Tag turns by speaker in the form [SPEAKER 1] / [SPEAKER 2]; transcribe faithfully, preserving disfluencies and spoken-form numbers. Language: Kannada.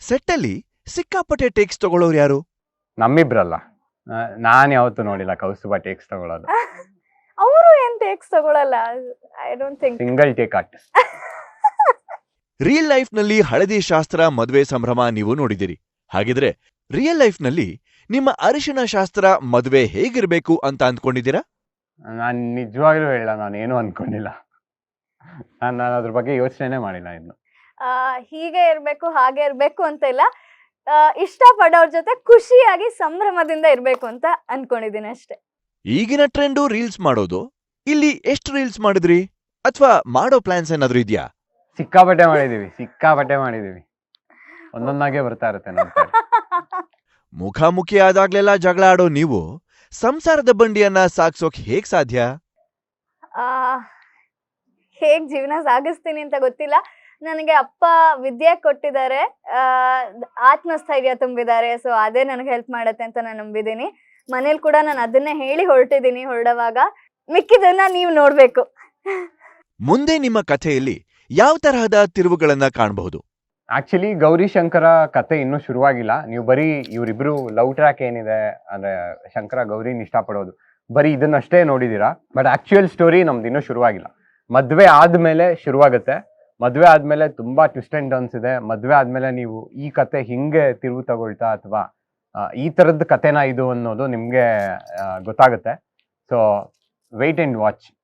[SPEAKER 1] ಸೆಟ್ಟಲ್ಲಿ ಸಿಕ್ಕಾಪಟ್ಟೆ ಟೇಕ್ಸ್ ತಗೊಳ್ಳೋರು ಯಾರು?
[SPEAKER 2] ನಮ್ಮಿಬ್ರಲ್ಲ, ನಾನು ಯಾವತ್ತೂ ನೋಡಿಲ್ಲ ಕೌಸ್ತುಭ ಟೇಕ್ಸ್ ತಗೊಳ್ಳೋದು.
[SPEAKER 3] ಅವರು ಏನ್ ಟೇಕ್ಸ್ ತಗೊಳಲ್ಲ. I don't think.
[SPEAKER 2] Single take artist.
[SPEAKER 1] Real life ನಲ್ಲಿ ಹಳದಿ ಶಾಸ್ತ್ರ ಮದುವೆ ಸಂಭ್ರಮ ನೀವು ನೋಡಿದಿರಿ. ಹಾಗಿದ್ರೆ ರಿಯಲ್ ಲೈಫ್ ನಲ್ಲಿ ನಿಮ್ಮ ಅರಿಶಿನ ಶಾಸ್ತ್ರ ಮದುವೆ ಹೇಗಿರ್ಬೇಕು ಅಂತ ಅಂದ್ಕೊಂಡಿದ್ದೀರಾ?
[SPEAKER 2] ನಾನು ನಿಜವಾಗ್ಲೂ ಹೇಳ, ನಾನು ಏನು ಅನ್ಕೊಂಡಿಲ್ಲ. ನಾನು ನಾನು ಅದ್ರ ಬಗ್ಗೆ ಯೋಚನೆ ಮಾಡಿಲ್ಲ ಇನ್ನು.
[SPEAKER 3] ಆ, ಹೀಗೆ ಇರ್ಬೇಕು ಹಾಗೆ ಇರ್ಬೇಕು ಅಂತ ಇಲ್ಲ. ಆ, ಇಷ್ಟಪಡೋರ್ ಜೊತೆ ಖುಷಿಯಾಗಿ ಸಂಭ್ರಮದಿಂದ ಇರ್ಬೇಕು ಅಂತ ಅನ್ಕೊಂಡಿದ್ದೀನಿ ಅಷ್ಟೇ.
[SPEAKER 1] ಈಗಿನ ಟ್ರೆಂಡು ರೀಲ್ಸ್ ಮಾಡೋದು. ಇಲ್ಲಿ ಎಷ್ಟು ರೀಲ್ಸ್ ಮಾಡಿದ್ರಿ ಅಥವಾ ಮಾಡೋ ಪ್ಲಾನ್ಸ್ ಏನಾದ್ರೂ ಇದೆಯಾ?
[SPEAKER 2] ಸಿಕ್ಕಾಪಟ್ಟೆ ಮಾಡಿದೀವಿ, ಸಿಕ್ಕಾಪಟ್ಟೆ ಮಾಡಿದೀವಿ. ಒಂದೊಂದಾಗೆ ಬರ್ತಾ ಇರುತ್ತೆ ನೋಡ್ತಾರೆ.
[SPEAKER 1] ಮುಖಾಮುಖಿ ಆದಾಗ್ಲೆಲ್ಲ ಜಗಳ ಆಡೋ ನೀವು ಸಂಸಾರದ ಬಂಡಿಯನ್ನ ಸಾಗ್ಸೋಕ್ ಹೇಗ್ ಸಾಧ್ಯ?
[SPEAKER 3] ಆ ಹೇಗ್ ಜೀವನ ಸಾಗಿಸ್ತೀನಿ ಅಂತ ಗೊತ್ತಿಲ್ಲ. ನನಗೆ ಅಪ್ಪ ವಿದ್ಯೆ ಕೊಟ್ಟಿದ್ದಾರೆ, ಆ ಆತ್ಮಸ್ಥೈರ್ಯ ತುಂಬಿದ್ದಾರೆ. ಸೊ ಅದೇ ನನಗೆ ಹೆಲ್ಪ್ ಮಾಡತ್ತೆ ಅಂತ ನಾನು ನಂಬಿದ್ದೀನಿ. ಮನೇಲಿ ಕೂಡ ನಾನು ಅದನ್ನೇ ಹೇಳಿ ಹೊರಟಿದ್ದೀನಿ. ಹೊರಡುವಾಗ ಮಿಕ್ಕಿದನ್ನ ನೀವು ನೋಡ್ಬೇಕು.
[SPEAKER 1] ಮುಂದೆ ನಿಮ್ಮ ಕಥೆಯಲ್ಲಿ ಯಾವ ತರಹದ ತಿರುವುಗಳನ್ನ ಕಾಣಬಹುದು?
[SPEAKER 2] ಆಕ್ಚುಲಿ ಗೌರಿ ಶಂಕರ ಕತೆ ಇನ್ನೂ ಶುರುವಾಗಿಲ್ಲ. ನೀವು ಬರೀ ಇವರಿಬ್ರು ಲವ್ ಟ್ರ್ಯಾಕ್ ಏನಿದೆ ಅಂದ್ರೆ ಶಂಕರ ಗೌರಿನ ಇಷ್ಟಪಡೋದು, ಬರೀ ಇದನ್ನಷ್ಟೇ ನೋಡಿದೀರಾ. ಬಟ್ ಆಕ್ಚುಯಲ್ ಸ್ಟೋರಿ ನಮ್ದು ಇನ್ನೂ ಶುರುವಾಗಿಲ್ಲ. ಮದ್ವೆ ಆದ್ಮೇಲೆ ಶುರುವಾಗುತ್ತೆ. ಮದ್ವೆ ಆದ್ಮೇಲೆ ತುಂಬಾ ಟ್ವಿಸ್ಟ್ ಅಂಡ್ ಟರ್ನ್ಸ್ ಇದೆ. ಮದ್ವೆ ಆದ್ಮೇಲೆ ನೀವು ಈ ಕತೆ ಹಿಂಗೆ ತಿರುವು ತಗೊಳ್ತಾ ಅಥವಾ ಈ ತರದ ಕತೆನ ಇದು ಅನ್ನೋದು ನಿಮ್ಗೆ ಗೊತ್ತಾಗುತ್ತೆ. So wait and watch.